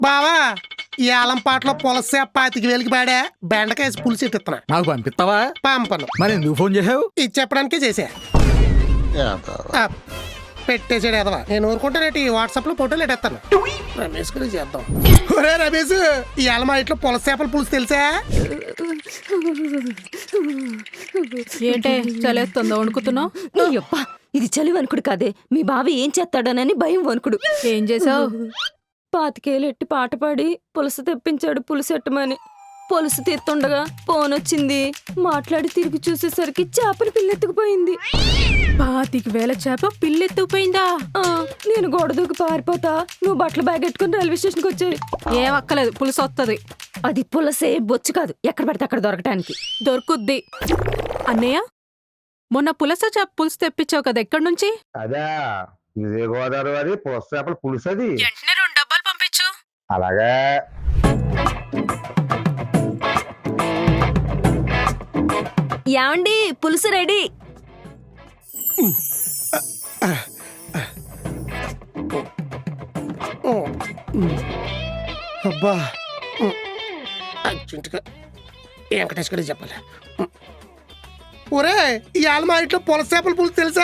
బావా ఈ ఆలంపాట్లో పులస 25,000కి పాడా బెండకాయ పులుసు ఎత్తున్నా. నాకు పంపిస్తావా? పంపను. మరి ఎందుకు ఫోన్ చేసావు? ఇది చెప్పడానికే చేసా. పెట్టేసాడు ఎదవా. నేను ఊరుకుంటానేటి వాట్సాప్ లో ఫోటోలు ఎట్టేస్తాను. రమేష్ గురించి చేద్దాం. ఒరే రమేష్, ఈ మా ఇంట్లో పులస చేపల పులుసు తెలుసా? ఏంటే చలేస్తుందో వణుకుతున్నావు? ఇది చలి వణుకుడు కాదే, మీ బావ ఏం చేస్తాడనని భయం వణుకుడు. ఏం చేసావు? 25,000 ఎట్టి పాట పాడి పులుసు తెప్పించాడు. పులుసెట్టమని పులుసు తీర్తుండగా ఫోన్ వచ్చింది. మాట్లాడి తిరిగి చూసేసరికి చేపల పిల్లెత్తుకుపోయింది. 25,000 చేప పిల్లెత్తుకుపోయిందా? నేను గోడ దూకి పారిపోతా, నువ్వు బట్టల బ్యాగ్ ఎట్టుకుని రైల్వే స్టేషన్కి వచ్చాయి. ఏం అక్కలేదు, పులుసు వస్తుంది. అది పులసే, బొచ్చు కాదు. ఎక్కడ పడితే అక్కడ దొరకటానికి. దొరుకుద్ది. అన్నయ్య, మొన్న పులస చేప పులుసు తెప్పించావు కదా, ఎక్కడి నుంచి? అదే విజయగోదావరి పులస చేపల పులుసు. అది వెంటనే 2 డబ్బాలు పంపించు. అలాగే. యాండి, పులుసు రెడీ. అబ్బా అర్జెంటుగా వెంకటేష్ గారికి చెప్పాలి. ఒరే ఈ మా ఇంట్లో పులస చేపల పులుసు తెలుసా?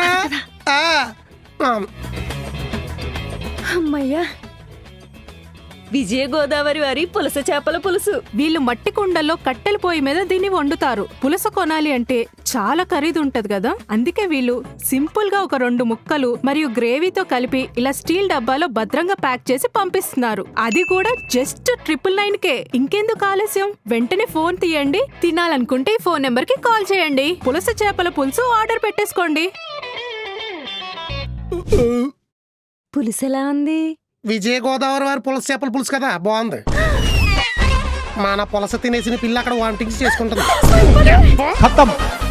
అమ్మయ్యా, విజయ గోదావరి వారి పులస చేపల పులుసు. వీళ్ళు మట్టి కుండల్లో కట్టెల పొయ్యి మీద దీన్ని వండుతారు. పులస కొనాలి అంటే చాలా ఖరీదు ఉంటది కదా, అందుకే వీళ్ళు సింపుల్ గా ఒక 2 ముక్కలు మరియు గ్రేవీతో కలిపి ఇలా స్టీల్ డబ్బాలో భద్రంగా ప్యాక్ చేసి పంపిస్తున్నారు. అది కూడా జస్ట్ 999కే. ఇంకెందుకు ఆలస్యం, వెంటనే ఫోన్ తీయండి. తినాలనుకుంటే ఈ ఫోన్ నెంబర్ కి కాల్ చేయండి. పులస చేపల పులుసు ఆర్డర్ పెట్టేసుకోండి. పులుసు ఎలా ఉంది? విజయ గోదావరి వారి పులస చేపల పులుసు కదా, బాగుంది. మన పులస తినేసిన పిల్ల అక్కడ వామిటింగ్స్ చేసుకుంటుంది.